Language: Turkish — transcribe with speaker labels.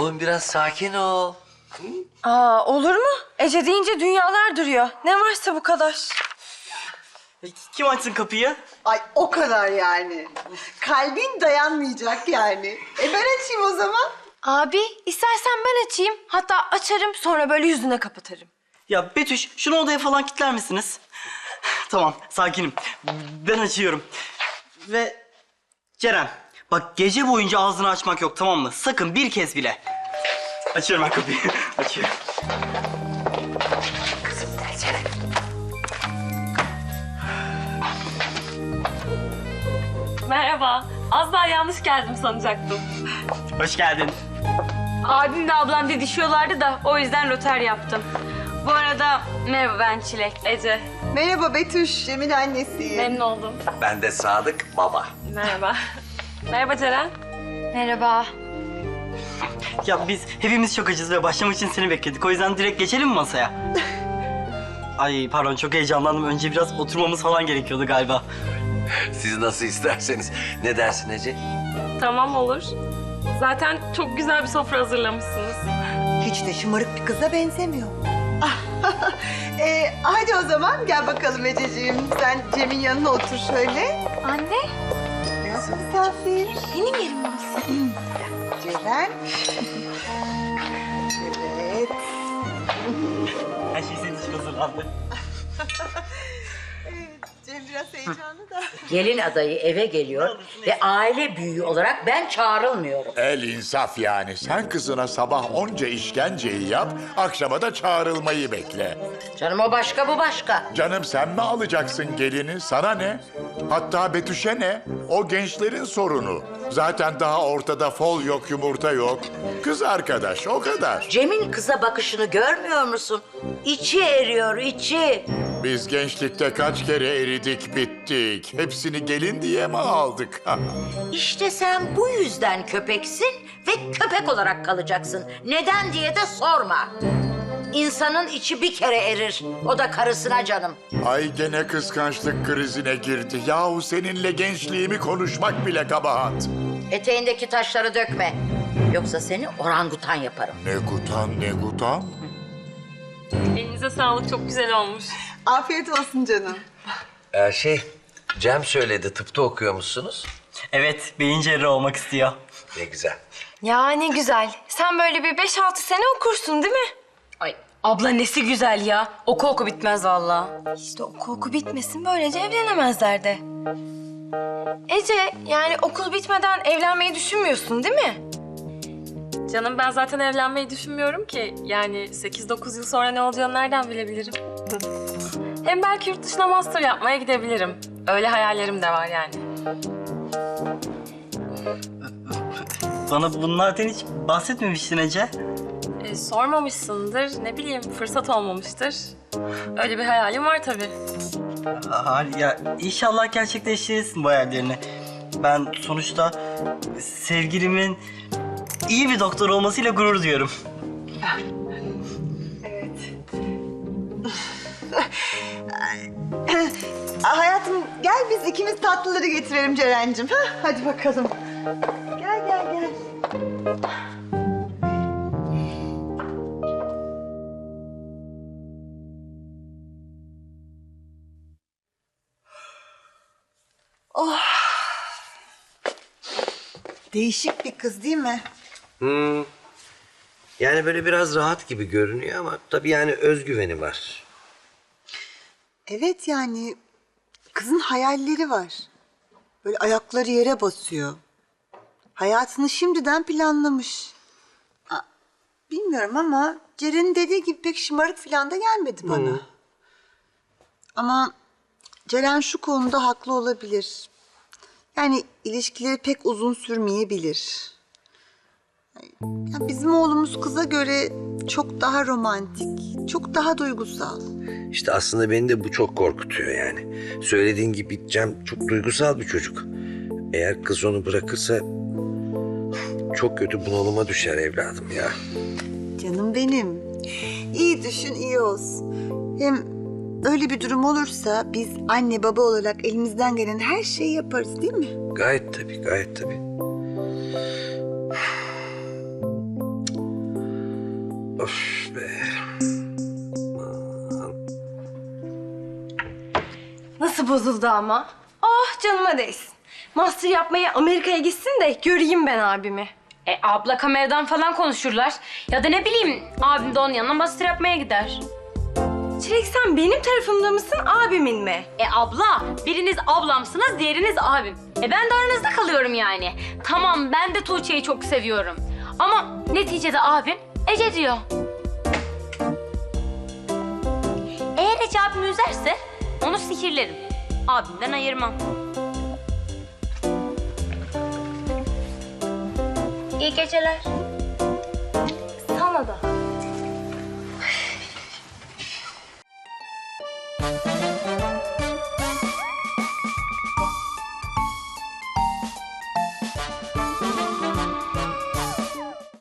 Speaker 1: Oğlum biraz sakin ol.
Speaker 2: Aa, olur mu? Ece deyince dünyalar duruyor. Ne varsa bu kadar.
Speaker 3: Kim açsın kapıyı?
Speaker 4: Ay o kadar yani. Kalbin dayanmayacak yani. Ben açayım o zaman.
Speaker 2: Abi, istersen ben açayım. Hatta açarım, sonra böyle yüzüne kapatırım.
Speaker 3: Ya Betüş, şunu odaya falan kilitler misiniz? Tamam, sakinim. Ben açıyorum. Ve Ceren, bak gece boyunca ağzını açmak yok, tamam mı? Sakın bir kez bile. Açıyorum ben kapıyı. Açıyorum.
Speaker 5: Merhaba. Az daha yanlış geldim sanacaktım.
Speaker 3: Hoş geldin.
Speaker 5: Abimle ablam didişiyorlardı da o yüzden röter yaptım. Bu arada merhaba, ben Çilek. Ece.
Speaker 4: Merhaba Betüş, Cem'in annesi.
Speaker 5: Memnun oldum.
Speaker 1: Ben de Sadık baba.
Speaker 5: Merhaba. Merhaba Ceren.
Speaker 2: Merhaba.
Speaker 3: Ya biz hepimiz çok acız ve başlamak için seni bekledik. O yüzden direkt geçelim mi masaya? Ay pardon, çok heyecanlandım. Önce biraz oturmamız falan gerekiyordu galiba.
Speaker 1: Siz nasıl isterseniz. Ne dersin Ece?
Speaker 5: Tamam, olur. Zaten çok güzel bir sofra hazırlamışsınız.
Speaker 4: Hiç de şımarık bir kıza benzemiyor. Hadi o zaman gel bakalım Ececiğim. Sen Cem'in yanına otur şöyle.
Speaker 2: Anne,
Speaker 4: Nasıl misafir?
Speaker 2: benim yerim burası.
Speaker 4: Ceren. Evet.
Speaker 3: Her şey senin için hazırlandı.
Speaker 4: Cem biraz heyecanlı da.
Speaker 6: Gelin adayı eve geliyor ve aile büyüğü olarak ben çağrılmıyorum.
Speaker 7: El insaf yani. Sen kızına sabah onca işkenceyi yap, akşama da çağrılmayı bekle.
Speaker 6: Canım o başka bu başka.
Speaker 7: Canım sen mi alacaksın gelini? Sana ne? Hatta Betüş'e ne? O gençlerin sorunu. Zaten daha ortada fol yok, yumurta yok. Kız arkadaş, o kadar.
Speaker 6: Cem'in kıza bakışını görmüyor musun? İçi eriyor, içi.
Speaker 7: Biz gençlikte kaç kere eridik, bittik. Hepsini gelin diye mi aldık?
Speaker 6: İşte sen bu yüzden köpeksin ve köpek olarak kalacaksın. Neden diye de sorma. İnsanın içi bir kere erir. O da karısına canım.
Speaker 7: Ay gene kıskançlık krizine girdi. Yahu seninle gençliğimi konuşmak bile kabahat.
Speaker 6: Eteğindeki taşları dökme. Yoksa seni orangutan yaparım.
Speaker 7: Ne gutan, ne gutan?
Speaker 5: Elinize sağlık, çok güzel olmuş.
Speaker 4: Afiyet olsun canım.
Speaker 1: Cem söyledi, tıpta okuyormuşsunuz.
Speaker 3: Evet, beyin cerrahı olmak istiyor.
Speaker 1: Ne güzel.
Speaker 2: Ya ne güzel. Sen böyle bir 5-6 sene okursun değil mi?
Speaker 5: Ay abla nesi güzel ya. Oku bitmez vallahi.
Speaker 2: İşte oku bitmesin, böylece evlenemezler de. Ece, yani okul bitmeden evlenmeyi düşünmüyorsun değil mi?
Speaker 5: Canım ben zaten evlenmeyi düşünmüyorum ki. Yani 8-9 yıl sonra ne olacağını nereden bilebilirim? Hem belki yurt dışına master yapmaya gidebilirim. Öyle hayallerim de var yani.
Speaker 3: Bana bunlardan hiç bahsetmemiştin Ece.
Speaker 5: Sormamışsındır, ne bileyim fırsat olmamıştır. Öyle bir hayalim var tabii.
Speaker 3: Ya inşallah gerçekleştirirsin bu hayallerini. Ben sonuçta sevgilimin iyi bir doktor olmasıyla gurur duyuyorum.
Speaker 4: Hayatım gel biz ikimiz tatlıları getirelim Ceren'cim. Hadi bakalım. Gel gel gel. Oh. Değişik bir kız değil mi?
Speaker 1: Yani böyle biraz rahat gibi görünüyor ama tabii yani özgüveni var.
Speaker 4: Evet yani kızın hayalleri var. Böyle ayakları yere basıyor. Hayatını şimdiden planlamış. Bilmiyorum ama Ceren'in dediği gibi pek şımarık falan da gelmedi bana. Ama Ceren şu konuda haklı olabilir. Yani ilişkileri pek uzun sürmeyebilir. Ya bizim oğlumuz kıza göre çok daha romantik, çok daha duygusal.
Speaker 1: İşte aslında beni de bu çok korkutuyor yani. Söylediğin gibi Cem çok duygusal bir çocuk. Eğer kız onu bırakırsa çok kötü bunalıma düşer evladım ya.
Speaker 4: Canım benim. İyi düşün, iyi olsun. Hem öyle bir durum olursa biz anne baba olarak elimizden gelen her şeyi yaparız değil mi?
Speaker 1: Gayet tabii, gayet tabii.
Speaker 2: nasıl bozuldu ama? Oh canıma değsin. Master yapmaya Amerika'ya gitsin de göreyim ben abimi.
Speaker 8: Abla kameradan falan konuşurlar. Ya da ne bileyim abim de onun yanına master yapmaya gider.
Speaker 2: Çilek sen benim tarafımda mısın abimin mi?
Speaker 8: Abla biriniz ablamsınız diğeriniz abim. Ben de aranızda kalıyorum yani. Tamam ben de Tuğçe'yi çok seviyorum. Ama neticede abim Ece diyor. Eğer Ece abimi üzerse onu sihirlerim. Abimden ayırmam. İyi geceler.
Speaker 2: Sana da.